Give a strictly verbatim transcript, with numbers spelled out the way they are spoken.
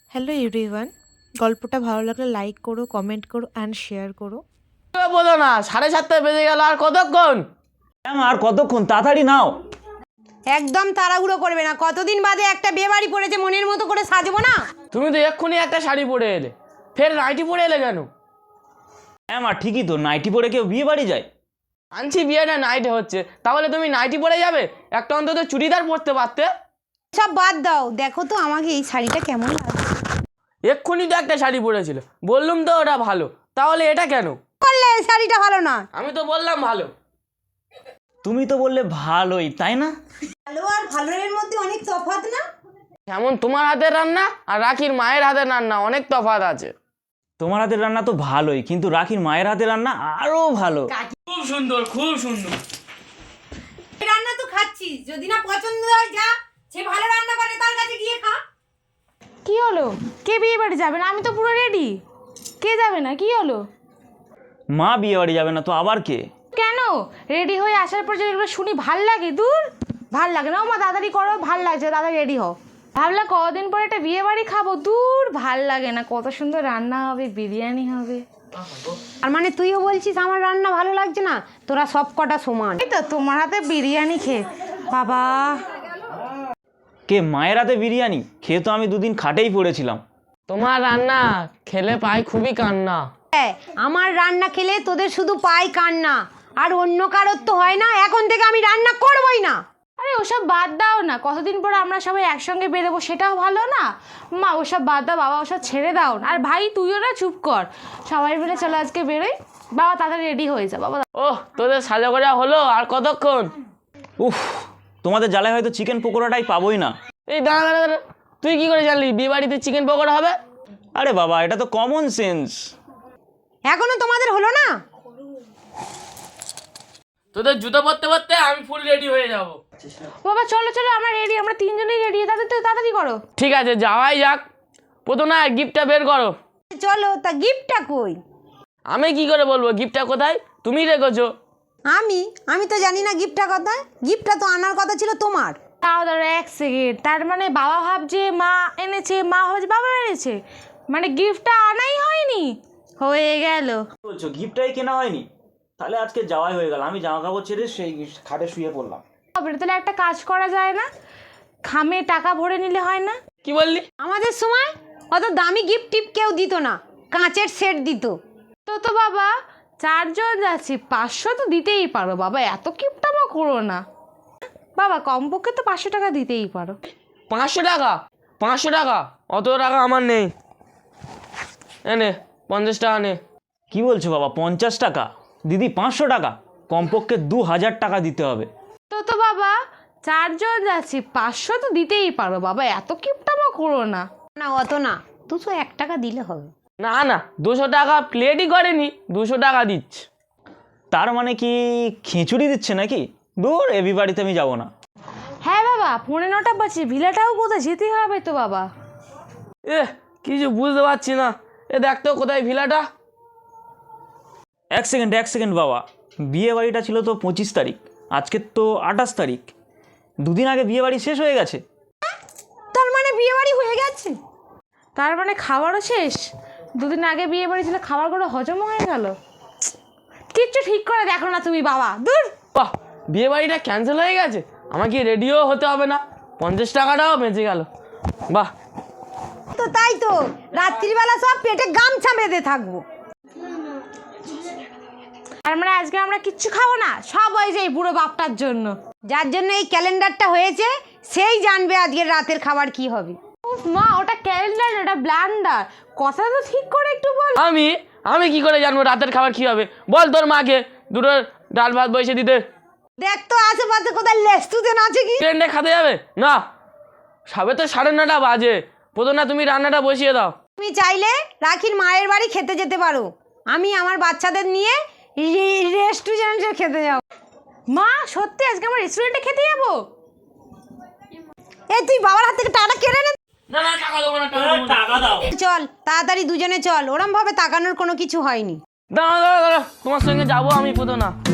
Hello everyone, গল্পটা ভালো লাগলে লাইক করো, কমেন্ট করো অ্যান্ড শেয়ার করো। বলো না, সাড়ে সাতটা বেজে গেল, আর কতক্ষণ? আর কতক্ষণ, তাড়াতাড়ি নাও। একদম তাড়াহুড়ো করবে না, কতদিন বাদে একটা বিয়ে বাড়ি পড়েছে, মনের মতো করে সাজবো না। তুমি তো এক্ষুনি একটা শাড়ি পরে এলে, ফের নাইটি পরে এলে কেন? হ্যাঁ মা, ঠিকই তো, নাইটি পরে কেউ বিয়ে বাড়ি যায়? আনছি বিয়েটা নাইটে হচ্ছে, তাহলে তুমি নাইটি পরে যাবে? একটা অন্তত চুড়িদার পরতে পারতে। সব বাদ দাও, দেখো তো আমাকে এই শাড়িটা কেমন লাগছে। এক্ষুনি তো একটা শাড়ি পরেছিল, বললুম তো ওটা ভালো, তাহলে এটা কেন বললে এই শাড়িটা ভালো না? আমি তো বললাম ভালো। তুমি তো বললে ভালোই, তাই না? ভালো আর ভালোর মধ্যে অনেক তফাৎ না? যেমন তোমার হাতের রান্না আর রাখির মায়ের হাতের রান্না অনেক তফাৎ আছে। তোমার হাতের রান্না তো ভালোই, কিন্তু রাখির মায়ের হাতের রান্না আরো ভালো। খুব সুন্দর, খুব সুন্দর। রান্না তো খাচ্ছিস, যদি না পছন্দ হয় যা, সে ভালো রান্না করে তার কাছে গিয়ে খা। কি হলো? কে বিয়ে বাড়ি যাবে না? আমি তো পুরো রেডি। কে যাবে না? কি হলো? মা বিয়ে বাড়ি যাবে না তো আবার কে? কেন? রেডি হয়ে আসার পর যদি এগুলো শুনি ভাল লাগে? দূর, ভাল লাগে না। ও মা তাড়াতাড়ি করো, ভাল লাগছে, তাড়াতাড়ি রেডি হও। ভাবলাম কদিন পরে একটা বিয়ে বাড়ি খাবো, দূর ভাল লাগে না। কত সুন্দর রান্না হবে, বিরিয়ানি হবে। আর মানে তুইও বলছিস আমার রান্না ভালো লাগছে না? তোরা সব কটা সমান। এই তো তোমার হাতে বিরিয়ানি খেয়ে বাবা। কে মায়ের হাতে বিরিয়ানি খেয়ে তো আমি দুদিন খাটেই পড়েছিলাম। তোমার রান্না খেলে পাই খুবই কান্না। হ্যাঁ, আমার রান্না খেলে তোদের শুধু পাই কান্না, আর অন্য কারোর তো হয় না। এখন থেকে আমি রান্না করবই না। আরে ওসব বাদ দাও না, কতদিন পর আমরা সবাই একসঙ্গে বেরোবো, সেটাও ভালো না? মা ওসব বাদ দাও বাবা, ওসব ছেড়ে দাও না। আর ভাই তুইও না, চুপ কর। সবাই মিলে চলো আজকে বেরোই। বাবা তাড়াতাড়ি রেডি হয়ে যা বাবা। ওহ, তোদের সাজা করা হলো, আর কতক্ষণ? উফ, তোমাদের জ্বালায় হয়তো চিকেন পকোড়াটাই পাবোই না। এই দাঁড়া দাঁড়া দাঁড়া, তুই কি করে জানলি বিয়ে বাড়িতে চিকেন পকোড়া হবে? আরে বাবা, এটা তো কমন সেন্স। এখনো তোমাদের হলো না? তোদের জুতো পরতে পরতে আমি ফুল রেডি হয়ে যাব। বাবা চলো চলো, আমরা রেডি, আমরা তিনজনেই রেডি। তাড়াতাড়ি তাড়াতাড়ি করো। ঠিক আছে, যাওয়াই যাক। প্রথমে গিফটটা বের করো। চলো, তা গিফটটা কই? আমি কি করে বলবো গিফটটা কোথায়? তুমি রেখেছো। আমি আমি তো জানি না গিফটটা কোথায়। গিফটটা তো আনার কথা ছিল তোমার। তাও ধরো এক সেকেন্ড, তার মানে বাবা ভাবছে মা এনেছে, মা ভাবছে বাবা এনেছে, মানে গিফটটা আনাই হয়নি। হয়ে গেল। বলছো গিফটটাই কেনা হয়নি? তাহলে আজকে যাওয়াই হয়ে গেল। আমি জামা কাপড় ছেড়ে সেই খাটে শুয়ে পড়লাম। তবে তাহলে একটা কাজ করা যায় না? খামে টাকা ভরে নিলে হয় না? কি বললি? আমাদের সময় অত দামি গিফট টিপ কেউ দিত না, কাঁচের সেট দিত। তো তো বাবা চারজন যাচ্ছি, পাঁচশো তো দিতেই পারো বাবা, এত কিপটামা করো না বাবা। কমপক্ষে তো পাঁচশো টাকা দিতেই পারো। পাঁচশো টাকা? পাঁচশো টাকা? অত টাকা আমার নেই। এনে পঞ্চাশ টাকা নে। কি বলছো বাবা, পঞ্চাশ টাকা? দিদি পাঁচশো টাকা? কমপক্ষে দু হাজার টাকা দিতে হবে। তো তো বাবা চারজন যাচ্ছি, পাঁচশো তো দিতেই পারো বাবা, এত কিপটামা করো না। না অত না, দুশো এক টাকা দিলে হবে। না না, দুশো টাকা প্লেটই করেনি, দুশো টাকা দিচ্ছে। তার মানে কি খিচুড়ি দিচ্ছে নাকি? দূর, এ বিয়ে বাড়িতে আমি যাবো না। হ্যাঁ বাবা, পৌনে নটা বাজে, ভিলাটাও কোথায় যেতে হবে তো বাবা। এ কিছু বুঝতে পারছি না। এ দেখতো কোথায় ভিলাটা। এক সেকেন্ড এক সেকেন্ড বাবা, বিয়ে বাড়িটা ছিল তো পঁচিশ তারিখ, আজকে তো আঠাশ তারিখ, দুদিন আগে বিয়ে বাড়ি শেষ হয়ে গেছে। তার মানে বিয়ে বাড়ি হয়ে গেছে? তার মানে খাবারও শেষ? দুদিন আগে বিয়ে বাড়ি ছিল, খাবারগুলো হজম হয়ে গেল? কিচ্ছু ঠিক করে দেখো না তুমি বাবা, দূর। বাহ, বিয়ে বাড়িটা ক্যান্সেল হয়ে গেছে, আমাকে রেডিও হতে হবে না, পঞ্চাশ টাকাটাও বেঁচে গেল। বাহ। তো তাই তো, রাত্রিবেলা সব পেটে গামছা বেঁধে থাকবো। তার মানে আজকে আমরা কিচ্ছু খাবো না, সব হয়ে যায় বুড়ো বাপটার জন্য। যার জন্য এই ক্যালেন্ডারটা হয়েছে সেই জানবে আজকের রাতের খাবার কি হবে। উফ মা, ওটা ক্যালেন্ডার, ওটা ব্লান্ডার। কথা তো ঠিক করে একটু বল। আমি আমি কি করে জানবো রাতের খাবার কি হবে? বল তোর মাকে দুটো ডাল ভাত বসে দিতে। দেখ তো আশেপাশে কোথায় লেস্তুদেন আছে কি? ট্রেনটা খাতে যাবে না? সবে তো সাড়ে নটা বাজে। প্রথম না তুমি রান্নাটা বসিয়ে দাও। তুমি চাইলে রাখির মায়ের বাড়ি খেতে যেতে পারো, আমি আমার বাচ্চাদের নিয়ে রেস্টুরেন্টে খেতে যাব। মা সত্যি আজকে আমরা রেস্টুরেন্টে খেতে যাবো? এই তুই বাবার হাত থেকে টাকা কেড়ে নে। না না, টাকা দেবো না, টাকা দাও। চল তাড়াতাড়ি দুজনে চল, ওরম ভাবে তাকানোর কোনো কিছু হয়নি। দাঁড়া দাঁড়া দাঁড়া, তোমার সঙ্গে যাবো আমি প্রথম না।